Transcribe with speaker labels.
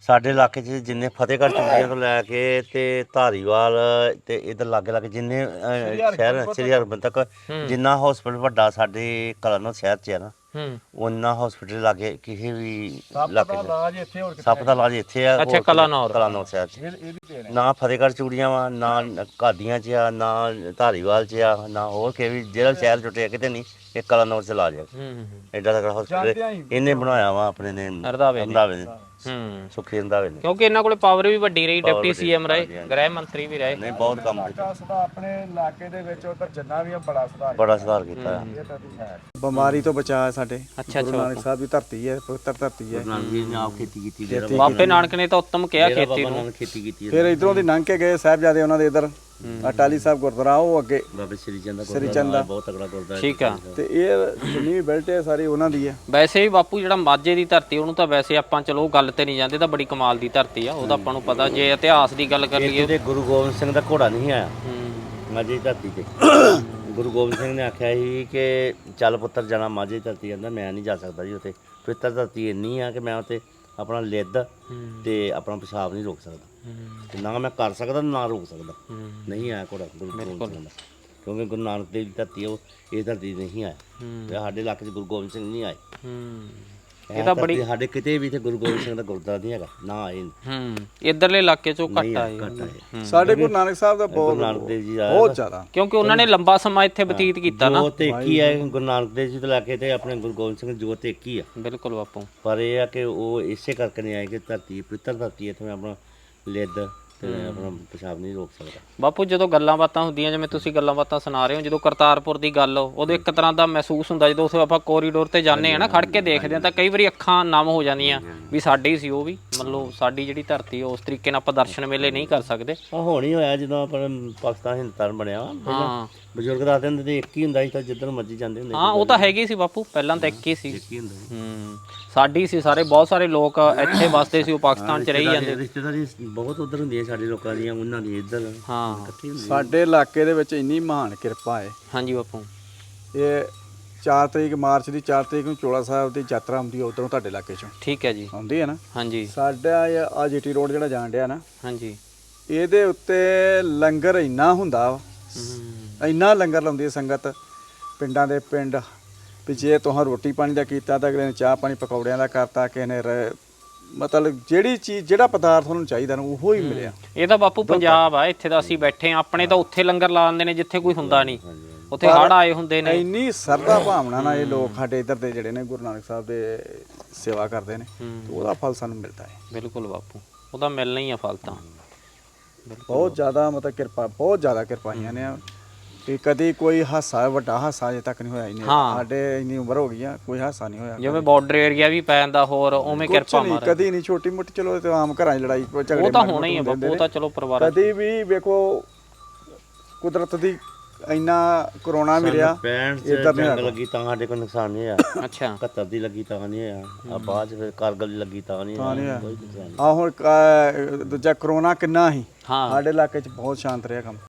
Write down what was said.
Speaker 1: ਸਾਡੇ ਇਲਾਕੇ 'ਚ ਜਿੰਨੇ ਫਤਿਹਗੜ੍ਹ ਚੂੜੀਆਂ ਤੋਂ ਲੈ ਕੇ ਤੇ ਧਾਰੀਵਾਲ ਤੇ ਇਧਰ ਲਾਗੇ ਜਿੰਨੇ ਸ਼ਹਿਰ ਸ੍ਰੀ ਹਰਿਮੰਦਰ ਤੱਕ ਜਿੰਨਾ ਹਸਪੀਟਲ ਵੱਡਾ ਸਾਡੇ ਕਲਾਨੌਰ ਸ਼ਹਿਰ 'ਚ ਹੈ ਨਾ ਉਹਨਾਂ ਹਸਪੀਟਲ ਲਾਗੇ ਕਿਸੇ ਵੀ ਇਲਾਕੇ 'ਚ ਸੱਪ ਦਾ ਇਲਾਜ ਇੱਥੇ ਆ।
Speaker 2: ਅੱਛਾ, ਕਲਾਨੌਰ
Speaker 1: ਸ਼ਹਿਰ 'ਚ ਨਾ ਫਤਿਹਗੜ੍ਹ ਚੂੜੀਆਂ ਵਾ, ਨਾ ਘਾਦੀਆਂ 'ਚ ਆ, ਨਾ ਧਾਰੀਵਾਲ 'ਚ ਆ, ਨਾ ਹੋਰ ਕਿਸੇ ਵੀ ਜਿਹੜਾ ਸ਼ਹਿਰ ਜੁਟਿਆ ਕਿਤੇ ਨਹੀਂ। ਇਹ ਕਲਾਨੌਰ 'ਚ ਇਲਾਜ ਹੈ। ਐਡਾ ਤਕੜਾ ਹਸਪੀਟਲ ਇਹਨੇ ਬਣਾਇਆ ਵਾ ਆਪਣੇ ਨੇ ਰੰਧਾਵੇ ਨੇ ਸੁਖੀ ਰੰਧਾਵੇ ਨੇ,
Speaker 2: ਕਿਉਂਕਿ ਇਹਨਾਂ ਕੋਲੇ ਪਾਵਰ ਵੀ ਵੱਡੀ ਰਹੀ। ਡਿਪਟੀ ਸੀਐਮ ਰਹੇ, ਗ੍ਰਹਿ ਮੰਤਰੀ ਵੀ ਰਹੇ।
Speaker 1: ਨਹੀਂ ਬਹੁਤ ਕੰਮ ਕੀਤਾ
Speaker 3: ਆਪਣੇ ਇਲਾਕੇ ਦੇ ਵਿੱਚ ਉਧਰ ਜਿੰਨਾ ਵੀ ਬੜਾ
Speaker 1: ਸੁਧਾਰ ਕੀਤਾ।
Speaker 3: ਬਿਮਾਰੀ ਤੋਂ ਬਚਾ ਸਾਡੇ।
Speaker 2: ਅੱਛਾ
Speaker 3: ਗੁਰੂ ਨਾਨਕ ਸਾਹਿਬ ਦੀ ਧਰਤੀ ਹੈ, ਪਵਿੱਤਰ ਧਰਤੀ ਹੈ।
Speaker 1: ਨਾਨਕ ਜੀ ਨੇ ਆਪ ਖੇਤੀ ਕੀਤੀ,
Speaker 2: ਬਾਬੇ ਨਾਨਕ ਨੇ ਤਾਂ ਉੱਤਮ ਕਿਹਾ ਖੇਤੀ ਨੂੰ।
Speaker 1: ਖੇਤੀ ਕੀਤੀ।
Speaker 3: ਫਿਰ ਇਧਰੋਂ ਦੀ ਲੰਘ ਕੇ ਗਏ ਸਾਹਿਬਜ਼ਾਦੇ ਉਹਨਾਂ ਦੇ ਇਧਰ ਅਟਾਲੀ ਸਾਹਿਬ ਗੁਰਦੁਆਰਾ, ਉਹ ਅੱਗੇ
Speaker 1: ਬਾਬੇ ਸ੍ਰੀ ਚੰਦ ਦਾ ਬਹੁਤ ਤਕੜਾ ਗੁਰਦੁਆਰਾ।
Speaker 2: ਠੀਕ ਆ।
Speaker 3: ਤੇ ਇਹ ਜਿੰਨੀ ਵੀ ਬੈਲਟ ਹੈ ਸਾਰੀ ਉਹਨਾਂ ਦੀ ਹੈ।
Speaker 2: ਵੈਸੇ ਵੀ ਬਾਪੂ ਜਿਹੜਾ ਮਾਝੇ ਦੀ ਧਰਤੀ ਉਹਨੂੰ ਤਾਂ ਵੈਸੇ ਆਪਾਂ ਚਲੋ ਗੱਲ ਤੇ ਨਹੀਂ ਜਾਂਦੇ, ਤਾਂ ਬੜੀ ਕਮਾਲ ਦੀ ਧਰਤੀ ਆ। ਉਹਦਾ ਆਪਾਂ ਨੂੰ ਪਤਾ, ਜੇ ਇਤਿਹਾਸ ਦੀ ਗੱਲ ਕਰ ਲਈਏ
Speaker 1: ਤੇ ਗੁਰੂ ਗੋਬਿੰਦ ਸਿੰਘ ਦਾ ਘੋੜਾ ਨਹੀਂ ਆਇਆ ਮਾਝੇ ਦੀ ਧਰਤੀ ਤੇ। ਗੁਰੂ ਗੋਬਿੰਦ ਸਿੰਘ ਨੇ ਆਖਿਆ ਸੀ ਕਿ ਚੱਲ ਪੁੱਤਰ ਜਾਣਾ ਮਾਝੇ ਦੀ ਧਰਤੀ। ਕਹਿੰਦਾ ਮੈਂ ਨਹੀਂ ਜਾ ਸਕਦਾ ਜੀ ਉੱਥੇ, ਪਵਿੱਤਰ ਧਰਤੀ ਇੰਨੀ ਆ ਕਿ ਮੈਂ ਉੱਥੇ ਆਪਣਾ ਲਿੱਦ ਤੇ ਆਪਣਾ ਪਿਸ਼ਾਬ ਨਹੀਂ ਰੋਕ ਸਕਦਾ, ਤੇ ਨਾ ਮੈਂ ਕਰ ਸਕਦਾ ਨਾ ਰੋਕ ਸਕਦਾ। ਨਹੀਂ ਆਇਆ ਘੋੜਾ ਗੁਰੂ ਗੋਬਿੰਦ ਸਿੰਘ ਦਾ, ਕਿਉਂਕਿ ਗੁਰੂ ਨਾਨਕ ਦੇਵ ਦੀ ਧਰਤੀ ਉਹ ਇਹ ਧਰਤੀ ਨਹੀਂ ਆਇਆ। ਤੇ ਸਾਡੇ ਇਲਾਕੇ 'ਚ ਗੁਰੂ ਗੋਬਿੰਦ ਸਿੰਘ ਨਹੀਂ ਆਏ। ਇਹ ਤਾਂ ਬੜੀ ਸਾਡੇ ਕਿਤੇ ਵੀ ਤੇ ਗੁਰੂ ਗੋਬਿੰਦ ਸਿੰਘ ਦਾ ਗੁਰਦੁਆਰਾ ਨਹੀਂ ਹੈਗਾ, ਨਾ ਆਏ।
Speaker 2: ਇਧਰਲੇ ਇਲਾਕੇ 'ਚੋਂ ਘੱਟ ਆਏ।
Speaker 3: ਸਾਡੇ ਗੁਰੂ ਨਾਨਕ ਸਾਹਿਬ ਦਾ
Speaker 1: ਗੁਰੂ ਨਾਨਕ ਦੇਵ ਜੀ
Speaker 3: ਬਹੁਤ ਜ਼ਿਆਦਾ,
Speaker 2: ਕਿਉਂਕਿ ਉਹਨਾਂ ਨੇ ਲੰਬਾ ਸਮਾਂ ਇੱਥੇ ਬਤੀਤ ਕੀਤਾ ਨਾ।
Speaker 1: ਜੋਤ ਇੱਕ ਹੀ ਹੈ ਗੁਰੂ ਨਾਨਕ ਦੇਵ ਜੀ ਤੋਂ ਲੈ ਕੇ ਤੇ ਆਪਣੇ ਗੁਰੂ ਗੋਬਿੰਦ ਸਿੰਘ ਜੋਤ ਇੱਕ ਹੀ ਆ।
Speaker 2: ਬਿਲਕੁਲ ਬਾਪੂ।
Speaker 1: ਪਰ ਇਹ ਆ ਕਿ ਉਹ ਇਸੇ ਕਰਕੇ ਨਹੀਂ ਆਏ ਕਿ ਧਰਤੀ ਪਵਿੱਤਰ ਧਰਤੀ ਹੈ, ਇੱਥੇ ਆਪਣਾ ਲਿੱਦ ਤੇ ਆਪਣਾ ਪਿਸ਼ਾਬ ਨਹੀਂ ਰੋਕ ਸਕਦਾ।
Speaker 2: ਬਾਪੂ ਜਦੋਂ ਗੱਲਾਂ ਬਾਤਾਂ ਹੁੰਦੀਆਂ, ਜਿਵੇਂ ਤੁਸੀਂ ਗੱਲਾਂ ਬਾਤਾਂ ਸੁਣਾ ਰਹੇ ਹੋ, ਜਦੋਂ ਕਰਤਾਰਪੁਰ ਦੀ ਗੱਲ ਉਦੋਂ ਇੱਕ ਤਰ੍ਹਾਂ ਦਾ ਮਹਿਸੂਸ ਹੁੰਦਾ। ਜਦੋਂ ਉੱਥੇ ਆਪਾਂ ਕੋਰੀਡੋਰ ਤੇ ਜਾਂਦੇ ਆ ਨਾ, ਖੜ ਕੇ ਦੇਖਦੇ ਆ ਤਾਂ ਕਈ ਵਾਰੀ ਅੱਖਾਂ ਨਮ ਹੋ ਜਾਂਦੀਆਂ ਵੀ ਸਾਡੀ ਸੀ ਉਹ ਵੀ, ਮਤਲਬ ਸਾਡੀ ਜਿਹੜੀ ਧਰਤੀ ਉਸ ਤਰੀਕੇ ਨਾਲ ਆਪਾਂ ਦਰਸ਼ਨ ਮੇਲੇ ਨਹੀਂ ਕਰ ਸਕਦੇ।
Speaker 1: ਹੁਣ ਹੀ ਹੋਇਆ ਜਦੋਂ ਆਪਣਾ ਪਾਕਿਸਤਾਨ ਹਿੰਦੁਸਤਾਨ ਬਣਿਆ। ਹਾਂ, ਬਜ਼ੁਰਗ ਦੱਸਦੇ ਹੁੰਦੇ ਤੇ ਇੱਕ ਹੀ ਹੁੰਦਾ ਸੀ, ਤਾਂ ਜਿੱਧਰ ਮਰਜ਼ੀ ਜਾਂਦੇ ਹੁੰਦੇ।
Speaker 2: ਹਾਂ, ਉਹ ਤਾਂ ਹੈਗੀ ਸੀ ਬਾਪੂ, ਪਹਿਲਾਂ ਤਾਂ ਇੱਕ ਹੀ ਸੀ। ਸਾਡੀ ਸੀ, ਸਾਰੇ ਬਹੁਤ ਸਾਰੇ ਲੋਕ ਇੱਥੇ ਵਸਦੇ ਸੀ, ਉਹ ਪਾਕਿਸਤਾਨ 'ਚ ਰਹੀ ਜਾਂਦੇ।
Speaker 1: ਰਿਸ਼ਤੇਦਾਰੀ ਬਹੁਤ ਉਧਰ ਹੁੰਦੀਆਂ ਸਾਡੇ ਲੋਕਾਂ ਦੀਆਂ, ਉਹਨਾਂ ਦੀ ਇੱਧਰ।
Speaker 2: ਹਾਂ,
Speaker 3: ਸਾਡੇ ਇਲਾਕੇ ਦੇ ਵਿੱਚ ਇੰਨੀ ਮਹਾਨ ਕਿਰਪਾ ਹੈ।
Speaker 2: ਹਾਂਜੀ ਬਾਪੂ।
Speaker 3: ਇਹ 4 ਤਰੀਕ ਮਾਰਚ ਦੀ 4 ਤਰੀਕ ਨੂੰ ਚੋਲਾ ਸਾਹਿਬ ਦੀ ਯਾਤਰਾ ਆਉਂਦੀ ਹੈ ਉਧਰੋਂ ਤੁਹਾਡੇ ਇਲਾਕੇ 'ਚੋਂ।
Speaker 2: ਠੀਕ ਹੈ ਜੀ।
Speaker 3: ਆਉਂਦੀ ਹੈ ਨਾ।
Speaker 2: ਹਾਂਜੀ।
Speaker 3: ਸਾਡਾ ਆ ਜੀਟੀ ਰੋਡ ਜਿਹੜਾ ਜਾਣ ਡਿਆ ਨਾ,
Speaker 2: ਹਾਂਜੀ,
Speaker 3: ਇਹਦੇ ਉੱਤੇ ਲੰਗਰ ਇੰਨਾ ਹੁੰਦਾ ਵਾ, ਇੰਨਾ ਲੰਗਰ ਲਾਉਂਦੀ ਹੈ ਸੰਗਤ, ਪਿੰਡਾਂ ਦੇ ਪਿੰਡ ਵੀ ਜੇ ਤੁਹਾਂ ਰੋਟੀ ਪਾਣੀ ਦਾ ਕੀਤਾ ਤਾਂ ਅਗਲੇ ਨੇ ਚਾਹ ਪਾਣੀ ਪਕੌੜਿਆਂ ਦਾ ਕਰਤਾ, ਕਿਸੇ ਨੇ ਮਤਲਬ ਜਿਹੜੀ ਚੀਜ਼ ਜਿਹੜਾ ਪਦਾਰਥ ਉਹਨੂੰ ਚਾਹੀਦਾ ਨਾ ਉਹੋ ਹੀ ਮਿਲਿਆ।
Speaker 2: ਇਹ ਤਾਂ ਬਾਪੂ ਪੰਜਾਬ ਆ, ਇੱਥੇ ਤਾਂ ਅਸੀਂ ਬੈਠੇ ਆ, ਆਪਣੇ ਤਾਂ ਉੱਥੇ ਲੰਗਰ ਲਾ ਦਿੰਦੇ ਨੇ ਜਿੱਥੇ ਕੋਈ ਹੁੰਦਾ ਨਹੀਂ, ਉੱਥੇ ਹੜ੍ਹ ਆਏ ਹੁੰਦੇ ਨੇ।
Speaker 3: ਇੰਨੀ ਸਰਦਾ ਭਾਵਨਾ ਨਾਲ ਇਹ ਲੋਕ ਸਾਡੇ ਇੱਧਰ ਦੇ ਜਿਹੜੇ ਨੇ ਗੁਰੂ ਨਾਨਕ ਸਾਹਿਬ ਦੇ ਸੇਵਾ ਕਰਦੇ ਨੇ, ਉਹਦਾ ਫਲ ਸਾਨੂੰ ਮਿਲਦਾ ਹੈ।
Speaker 2: ਬਿਲਕੁਲ ਬਾਪੂ, ਉਹਦਾ ਮਿਲਣਾ ਹੀ ਆ ਫਲ ਤਾਂ।
Speaker 3: ਬਹੁਤ ਜ਼ਿਆਦਾ ਮਤਲਬ ਕਿਰਪਾ, ਬਹੁਤ ਜ਼ਿਆਦਾ ਕਿਰਪਾਈਆਂ ਨੇ ਕਿ ਕਦੀ ਕੋਈ ਹਾਸਾ, ਵੱਡਾ ਹਾਸਾ ਅਜੇ ਤੱਕ ਨਹੀਂ ਹੋਇਆ। ਇਹਨੇ ਸਾਡੇ ਇੰਨੀ ਉਮਰ ਹੋ ਗਈ ਆ, ਕੋਈ ਹਾਸਾ ਨਹੀਂ ਹੋਇਆ।
Speaker 2: ਜਿਵੇਂ ਬਾਰਡਰ ਏਰੀਆ ਵੀ ਪੈ ਜਾਂਦਾ, ਹੋਰ ਉਵੇਂ ਕਿਰਪਾ ਮਾਰ
Speaker 3: ਕਦੀ ਨਹੀਂ। ਛੋਟੀ ਮੋਟੀ ਚਲੋ ਤੇ ਆਮ ਘਰਾਂ 'ਚ ਲੜਾਈ ਝਗੜੇ
Speaker 2: ਉਹ ਤਾਂ ਹੋਣਾ ਹੀ ਆ ਬਾਪੂ, ਉਹ ਤਾਂ ਚਲੋ ਪਰਿਵਾਰ।
Speaker 3: ਕਦੀ ਵੀ ਵੇਖੋ ਕੁਦਰਤ ਦੀ ਇੰਨਾ ਕਰੋਨਾ ਮਿਲਿਆ,
Speaker 1: 65 ਜੰਗ ਲੱਗੀ ਤਾਂ ਸਾਡੇ ਕੋਲ ਨੁਕਸਾਨ ਨਹੀਂ ਹੋਇਆ।
Speaker 2: ਅੱਛਾ।
Speaker 1: 71 ਦੀ ਲੱਗੀ ਤਾਂ ਨਹੀਂ ਹੋਇਆ, ਆ ਬਾਅਦ 'ਚ ਫਿਰ ਕਾਰਗਲ ਦੀ ਲੱਗੀ ਤਾਂ ਨਹੀਂ ਹੋਇਆ।
Speaker 3: ਆ ਹੁਣ ਦੂਜਾ ਕਰੋਨਾ ਕਿੰਨਾ ਸੀ,
Speaker 2: ਹਾਂ,
Speaker 3: ਸਾਡੇ ਇਲਾਕੇ 'ਚ ਬਹੁਤ ਸ਼ਾਂਤ ਰਿਹਾ ਕੰਮ।